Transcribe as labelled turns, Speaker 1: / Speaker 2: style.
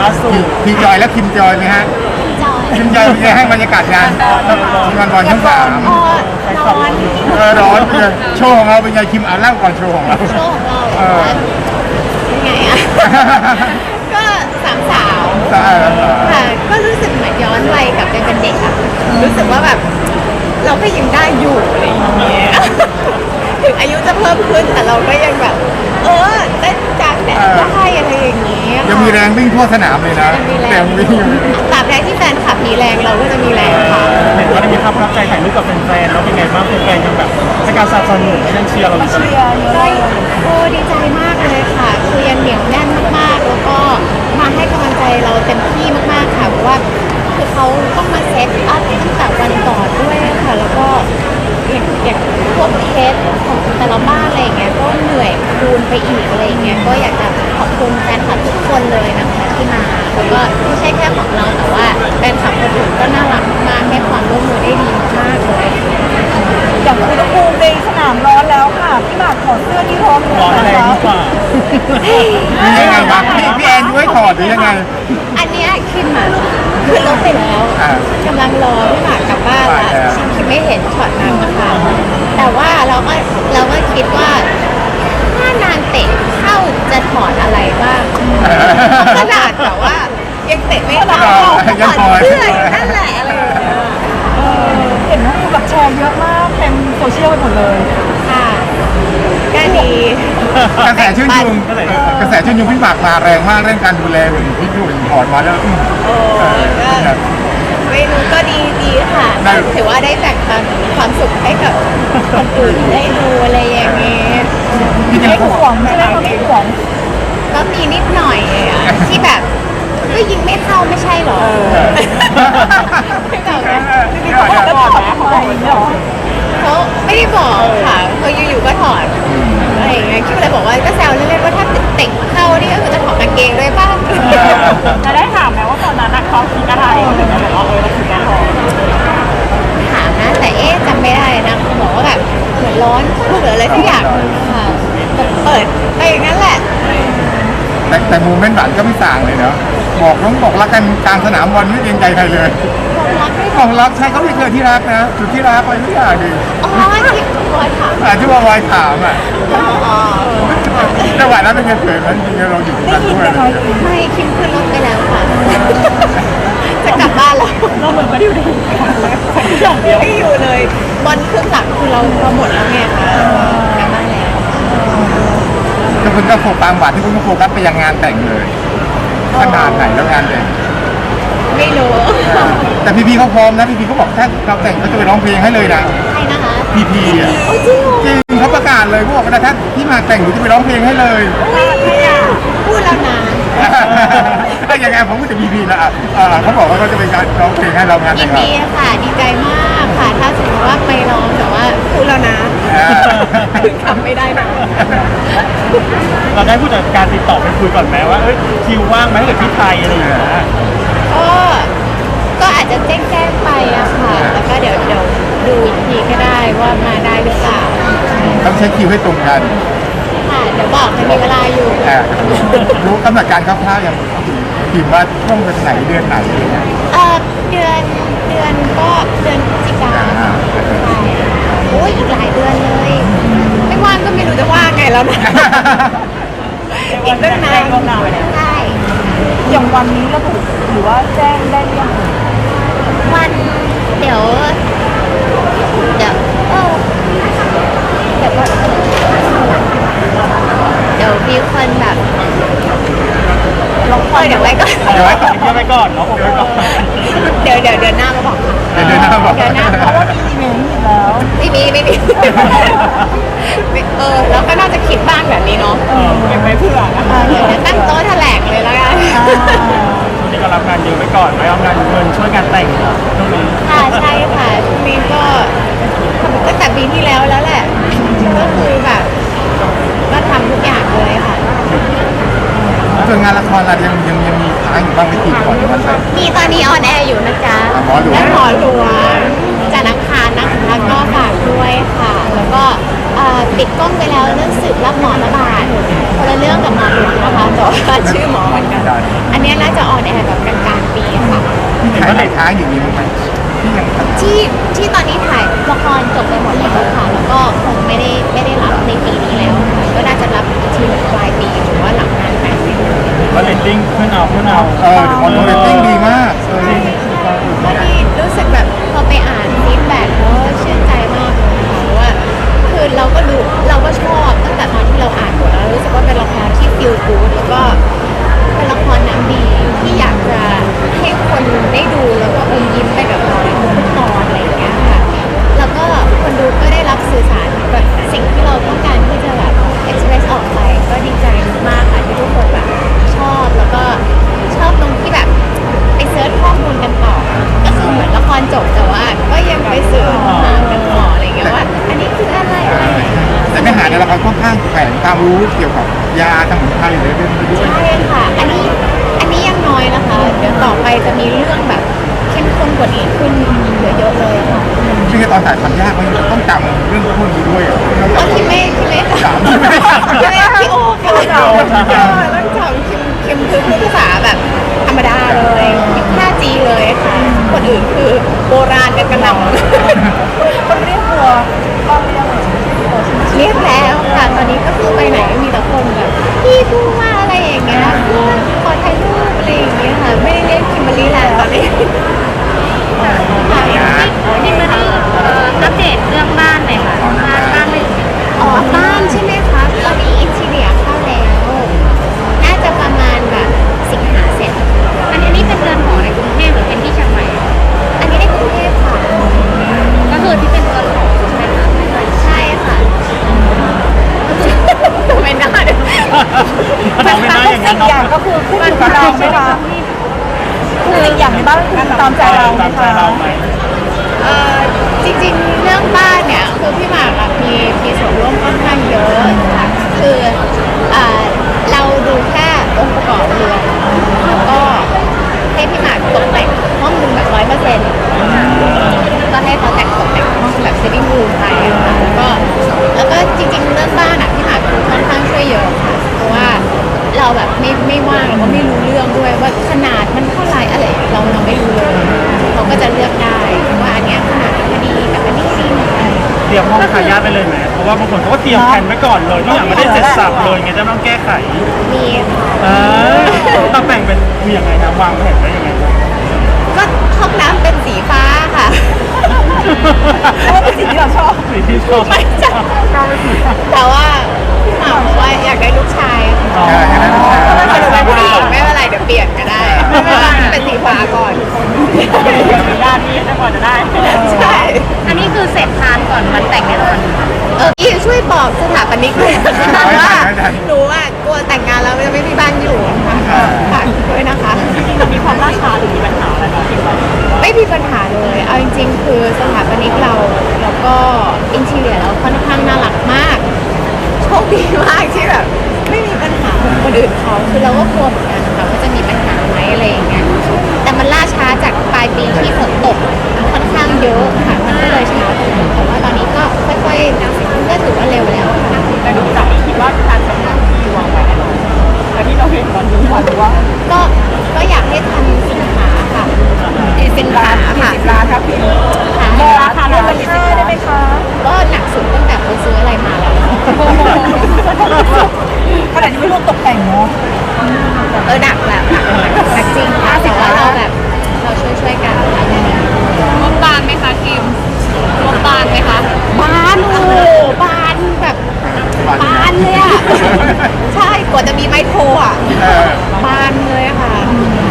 Speaker 1: ล่าสุดทีจอยและคิมจอยไหมฮะ
Speaker 2: จอย
Speaker 1: คิมจอยเป็นไงให้บรรยากาศงานบอลช่องสาม
Speaker 2: อ๋อร้อน
Speaker 1: ร้อนเลยโชว์ของเราเป็นไงคิมอ่านเล่าก่อนโชว์ของเรา
Speaker 2: โชว์ของเราเป็นไงอ่ะ ก็สามสาวค่ะก็รู้สึกเหมือนย้อนวัยกลับไปเป็นเด็กอะรู้สึกว่าแบบเราก็ยังได้อยู่อะไรอย่างเงี้ยถึงอายุจะเพิ่มขึ้นแต่เราก็ยังแบบเต้นจากแดดได้อะไรอย่างเงี้ย
Speaker 1: ยังมีแรงวิ่งทั่วสนามเลยนะ
Speaker 2: มีแร
Speaker 1: แต่
Speaker 2: ง
Speaker 1: วิ่ง
Speaker 2: ตราบใดที่แฟนคลับมีแรงเราก็จะมีแรงค่ะ
Speaker 3: เห็นว่าได้มีภาพประทับใจถ่ายรูปกับแฟนๆแล้วเป็นไงบ้างแฟนๆยังแบบให้การสนับสนุนยังเชียร์เราอยู่
Speaker 2: ก็ดีใจมากเลยค่ะคือยังเหนียวแน่นมากๆแล้วก็มาให้กำลังใจเราเต็มที่มากๆค่ะเพราะว่าคือเขาต้องมาเซตอัพตั้งแต่วันก่อนด้วยค่ะแล้วก็อย่างพวกเคสของแต่ละบ้านอะไรอย่างเงี้ยก็เหนื่อยคูณไปอีกอะไรอย่างเงี้ยก็อยากจะขอบคุณแฟนคลับทุกคนเลยนะคะที่มาแล้วก็ไม่ใช่แค่ของเราแต่ว่าแฟนคลับคนอื่นก็น่ารักมากให้ความร่วมมือได้ดีมากเลย
Speaker 4: อย่างอุณหภูมิในสนามร้อนแล้วค่ะพี่หมากถอดเสื้อนี่ร้อนเลย
Speaker 3: ร้อนแรงกว่า
Speaker 1: ยังไงครับพี่แอนยุ้ยถอดหรือยังไง
Speaker 2: อันเนี้ยคิมอ่ะคือลบไปแล้ว กำลังรอพี่หมากกลับบ้านละคิมไม่เห็นช็อตนั้นนะคะแต่ว่าเราก็คิดว่าถ้านานเตะเข้าจะถอดอะไรบ้างขนาดแต่ว่ายังเตะไม่เข้าถอดเสื้ออยู่นั่นแหละอะไรอย่างเงี้ย
Speaker 4: เห็นว่ามีแบบแชร์เยอะมากเต็มโซเชียลไปหมดเลย
Speaker 2: ค่ะก็ดี
Speaker 1: กระแสชื่นชมพี่หมากมาแรงมากเรื่องการดูแลหุ่นพี่ดูถอดมาแล้ว
Speaker 2: โอ้ก็ไม่รู้ก็ดีค่ะถือว่าได้แบ่งปันความสุขให้กับคนอื่นได้ดูอะไรอย่างเงี้ย
Speaker 1: พี่จะ
Speaker 4: ไม่ห่วงใช่ไหมคะไม่ห่วง
Speaker 2: ก็มีนิดหน่อยอะที่แบบก็ยิงไม่เข้าไม่ใช่หรอไม่บอกนะ
Speaker 4: เขาบอกแล้วถอดนะเขาบอกอย่างนี้หรอ
Speaker 2: เขาไม่ได้บอกค่ะเขาอยู่ๆก็ถอดอะไรอย่างเงี้ยคิดเลยบอกว่าก็แซวเล่นๆว่าถ้าเตะเข้านี่ก็คือจะถอดกางเกงด้วยป่ะ
Speaker 4: จะได้ถามไหมว่าตอนนั้นเขาคิดอะไรถึงจะบอกว่าเราคิดอะไร
Speaker 2: ถามนะแต่จำไม่ได้นะเขาบอกว่าแบบเหมือนร้อนพูดหรืออะไรสักอย่างค่ะเปิดไปอย่างนั้นแหละ
Speaker 1: แต่โมเมนต์หวานก็ไม่ต่างเลยเนาะบอกรักกันกลางสนามบอลไม่เกรงใจใครเลย
Speaker 2: ความรักไม่
Speaker 1: ของรักใช่เขาไม่เคยที่รักนะจุดที่รักไปทุกอย่างดิ
Speaker 2: อ๋อที่บอยถาม
Speaker 1: ที่ว่าวายถามอ่ะ
Speaker 2: อ๋อ
Speaker 1: จังหวะนั้นเป็นไงเผยมันจริงๆเราอยู่ตรงนั้นด้วย
Speaker 2: ไม่คิมขึ้นรถไปแล้วค่ะ จะกลับบ้านแล้ว
Speaker 4: เราเหมือนไม่ได้อยู่ในอย่างเดียว
Speaker 2: ไม่อยู่เลยบอลเครื่องหลังคือเราหมดแล้วไงคะกลับบ้านแล้ว
Speaker 1: ทุกคนก็โฟกัสหวานที่คุณก็โฟกัสไปยังงานแต่งเลยขนาดไหนแล้วงานแต่ง
Speaker 2: ไม่รู้
Speaker 1: แต่พี่เขาพร้อมนะพี่เขาบอกถ้าเราแต่งเขาจะไปร้องเพลงให้เลยนะ
Speaker 2: ใครนะคะ
Speaker 1: พี่อ่ะ
Speaker 2: โอ้จริงเหรอ
Speaker 1: จริงเขาประกาศเลยเขาบอกว่าถ้าพี่มาแต่งหนูจะไปร้องเพลงให้เลย
Speaker 2: พูดแล้วนะ
Speaker 1: ถ้าอย่างไงผมก็จะพีนะเขาบอกว่าเขาจะเป็นการร้องเพลงให้เรางาน
Speaker 2: ยิ
Speaker 1: แต่
Speaker 2: น
Speaker 1: งเรา
Speaker 2: ดีค่ะ ดีใจมากค่ะ ถ้าสมมติว่าไปร้องแต่ว่าพูดแล้วนะทำไม่ได้นะ
Speaker 3: เราได้ผู้จัดการติดต่อไปคุยก่อนไหมว่าคิวว่างไหมถ้าเกิดที่ไทยอะไรอย่างเงี้ย
Speaker 2: ก็อาจจะแจ้งไปอะค่ะ แล้วก็เดี๋ยวดูอีกทีก็ได้ว่ามาได้หรือเปล่า
Speaker 1: ต้องใช้คิวให้ตรงกัน
Speaker 2: ค่ะเดี๋ยวบอกมันมีเวลาอยู่
Speaker 1: รู้กำหนดการคร่าวๆอย่างพิมพ์ว่าช่วงไหนเดือนไหนอะไรเงี้ย
Speaker 2: เดือนก็เดือนพฤศจิกาใช่โอ้ยอีกหลายเดือนเลย ไม่ว่างก็ไม่รู้จะว่างไงแล้วนะ อีกตั้งนานใช่
Speaker 4: อย่างวันนี้ระบุหรือว่าแจ้งได้หรือยัง
Speaker 2: วันเดี๋ยวเดี๋ยวก็เดี๋ยวมีคนแบบเดี๋ยวไว้ก่อน
Speaker 3: เดี๋ยวไว้ก่อนเดี๋ยวไว้ก่อนเนาะเดี๋ยวไว้ก่อน
Speaker 2: เดี๋ยวเดือนหน้ามาบอกค่ะ
Speaker 1: เดือนหน้าบอก
Speaker 2: เดือนหน้า
Speaker 4: เพราะว่ามีอีเมลอยู่แล้ว
Speaker 2: ไม่มีแล้วก็น่าจะคิดบ้างแบบนี้เนาะ
Speaker 4: เก็บไว้เผื่อนะคะ
Speaker 2: เดี๋ยวตั้งโต๊ะแถลงเลยแล้วกัน
Speaker 3: ช่วงนี้ก็รับงานเยอะไว้ก่อนไว้เอางานเงินช่วยงานแต่งเนาะช่วงนี้
Speaker 2: ค่ะใช่ค่ะช่วงนี้ก็ตั้งแต่ปีที่แล้วแล้วแหละก็คือแบบก็ทำทุกอย่างเลยค่ะ
Speaker 1: ส่วนงานละครเรายังมีค้างอยู่บ้างไม่กี่ก่อนจะมาแต่ง
Speaker 2: มีตอนนี้ออนแอร์อยู่นะจ๊ะ
Speaker 1: หมอหลวง
Speaker 2: และหมอหลวงจันทร์อังคารนะคะก็ฝากด้วยค่ะ แล้วก็ปิดกล้องไปแล้วเรื่องสืบรับหมอระบาดคนละเรื่องกับหมอหลวงนะคะแต่ว่าชื่อหมอเหมือนกัน อันนี้น่าจะออนแอ
Speaker 1: ถ่ายค้างอย่างนี้มั้งไหมที่ยังถ่าย
Speaker 2: ที่ตอนนี้ถ่ายละครจบไปหมดแล้วค่ะแล้วก็คงไม่ได้รับในปีนี้แล้วค่ะก็น่าจะรับอีกทีหนึ่งปลายปีหรือว่าหลังงานแต่ง
Speaker 3: ก็เรตติ้งขึ้นเอา
Speaker 1: เดี๋ยวมอนเรตติ้งดีมาก
Speaker 2: ก็ดีรู้สึกแบบพอไปอ่านฟีดแบ็กแล้วชื่นใจมากเลยค่ะเพราะว่าคือเราก็รู้เราก็ชอบตั้งแต่ตอนที่เราอ่านบทแล้วรู้สึกว่าเป็นละครที่ฟีลกู๊ดแล้วก็เป็นละครน้ำดีที่อยากจะให้คนได้ดูแล้วก็อมยิ้มไปกับเราทุกตอนอะไรอย่างเงี้ยค่ะแล้วก็คนดูก็ได้รับสื่อสารแบบสิ่งที่เราต้องการที่จะแบบ express ออกไปก็ดีใจมากค่ะที่ทุกคนแบบชอบแล้วก็ชอบตรงที่แบบไปเซิร์ชข้อมูลกันต่อก็คือเหมือนละครจบแต่ว่าก็ยังไปเสิร์ชหากันต่ออะไรอย่างเงี้ยว่าอันนี้คืออะไรอย่างเงี้ย
Speaker 1: แต่เนื้อหาในละครค่อนข้างแฝงความรู้เกี่ยวกับยาสมุนไพรหรือเรื่องนี้ด้วย
Speaker 2: ใช่ค่ะ อันนี้ยังน้อยนะคะ เดี๋ยวต่อไปจะมีเรื่องแบบเข้มข้นกว่านี้ขึ้นอีกเยอะๆเลยค่ะ
Speaker 1: ซึ่งตอนถ่ายทำยากมันต้องจำเรื่องพวกนี้ด้วยอ่ะ
Speaker 2: ก็คิมเม่ค่ะพี่โอค่ะต้องจำคิมคือพูดภาษาแบบธรรมดาเลยคิม 5G เลยค่ะ คนอื่นคือโบราณกันกระหน่ำ
Speaker 4: คนเรียกตัวก็ไม่ได้
Speaker 2: เรียกแล้วค่ะ ตอนนี้ก็คือไปไหนมีแต่คนแบบพี่พูดว่าอะไรอย่างเงี้ยเพื่อนขอถ่ายรูปอะไรอย่างเงี้ยค่ะ ไม่ได้เรียกคิมเบอรรี่แล้วตอนนี้
Speaker 5: นี่มาดูอัปเดตเรื่องบ้านหน่อยค่ะบ้านไม่
Speaker 2: อ๋อบ้านใช่ไหมคะตอนนี้อินทีเรียเข้าแล้ว น่าจะประมาณแบบสิงหาเสร็จ
Speaker 5: อันนี้เป็นเรือนหอในกรุงเทพหรือเป็นที่เชียงใหม่
Speaker 2: อันนี้ในกรุงเทพค่ะ
Speaker 5: ก็คือที่เป็นเรือนหอใช่ไหมคะ
Speaker 2: ใช่ค่ะทำไมหน้าเนี่ย
Speaker 3: ทำไม่ได้อย่างนั้น
Speaker 4: สิ่งอย่างก็คือขึ้นอยู่กับเราไหมคะสิ่งอย่างในบ้านคือตามใจเราไหม
Speaker 3: ตามใจ
Speaker 4: คะ
Speaker 3: เราไหม
Speaker 2: จริงๆเรื่องบ้านเนี่ยคือพี่หมากอะมีส่วนร่วมค่อนข้างเยอะค่ะคือเราดูแค่องค์ประกอบเรือนแล้วก็ให้พี่หมากตกแต่งห้องหนึงแบบ100%ก็ให้เขาแต่งตกแต่งห้องแบบ sitting room ไปอะค่ะแล้วก็จริงๆเรื่องบ้านอะพี่หมากคือค่อนข้างช่วยเยอะค่ะเพราะว่าเราแบบไม่ว่างเราก็ไม่รู้เรื่องด้วยว่าขนาดมันเท่าไหร่อะไรเราไม่รู้เลยเขาก็จะเลือกได้ว่าอันเนี้ยขนาดมันพอดีกับอันนี้ดี
Speaker 3: เตรียมห้องทายาทไปเลยไหมเพราะว่าบางคนเขาก็เตรียมแผนไว้ก่อนเลยทุกอย่างไม่ได้เสร็จสับเลยไงจะต้องแก้ไข
Speaker 2: มีค่ะ
Speaker 3: ต้องแบ่งเป็นคือยังไงนะวางแผนไว้ยังไงนะ
Speaker 2: ก็ห้องน้ำเป็นสีฟ้าค่ะ
Speaker 4: เพราะว่าเป็นสิ่งที่เราชอบ
Speaker 3: สิ่งที่ชอบ
Speaker 2: ไม่ใช่แต่ว่าพี่หมากบอกว่าอยากได้ลูกชาย
Speaker 3: อ๋อ
Speaker 2: ถ้าหนูเป็นผู้หญิงไม่เป็นไรเดี๋ยวเปลี่ยนก็ได้ไม่เป็นไรเป็นสีฟ้าก่อน
Speaker 3: ญาตินี่จะกว่าจะได้
Speaker 2: ใช่
Speaker 5: อันนี้คือเสร็จทานก่อนวันแต่งแน่นอน
Speaker 2: พี่ช่วยบอกสถาปนิกเลยนะคะว่าหนูอ่ะกลัวแต่งงานแล้วจะไม่มีบ้านอยู่ค่ะฝากด้วยนะคะ
Speaker 3: มีความล่าช้าหรือมีปัญหาอะไรบ้าง
Speaker 2: ไม่มีปัญหาเลย เอาจริงๆ คือสถาปนิกเราแล้วก็อินทีเรียเราค่อนข้างน่ารักมาก โชคดีมากที่แบบไม่มีปัญหาเหมือนคนอื่นเขาคือเราก็กลัวเหมือนกันนะคะว่าจะมีปัญหาไหมอะไรอย่างเงี้ย แต่มันล่าช้าจากปลายปีที่ฝนตกค่อนข้างเยอะค่ะ มันก็เลยช้าไปหน่อยแต่ว่าตอนนี้ก็ค่อยๆก็ถือว่าเร็วแล้วค่ะ
Speaker 4: แต่ดูจากนี้คิดว่าการทำงานที่วางไว้แน่นอนแต่ที่เราเห็นตอนนี้หรือว่า
Speaker 2: ก็อยากให้ทันสินค้าค่ะสินค้าค่ะ
Speaker 4: ร้านครับพี่
Speaker 2: ค่ะ
Speaker 4: ราคาเป็นค่าได้ไหมคะ
Speaker 2: ก็หนักสุดตั้งแต่เขาซื้ออะไรมาแล้ว
Speaker 4: ขนาดนี้ไม่รวมตกแต่งเนาะ
Speaker 2: หนักแบบหนักจริงค่ะแต่ว่าเราแบบเราช่วยกัน
Speaker 5: งบบานไหมคะคิมงบบานไหมคะ
Speaker 2: บ้านโอ้บานแบบบานเลยอ่ะ ใช่กว่าจะมีไมโครอ่ะบานเลยค่ะ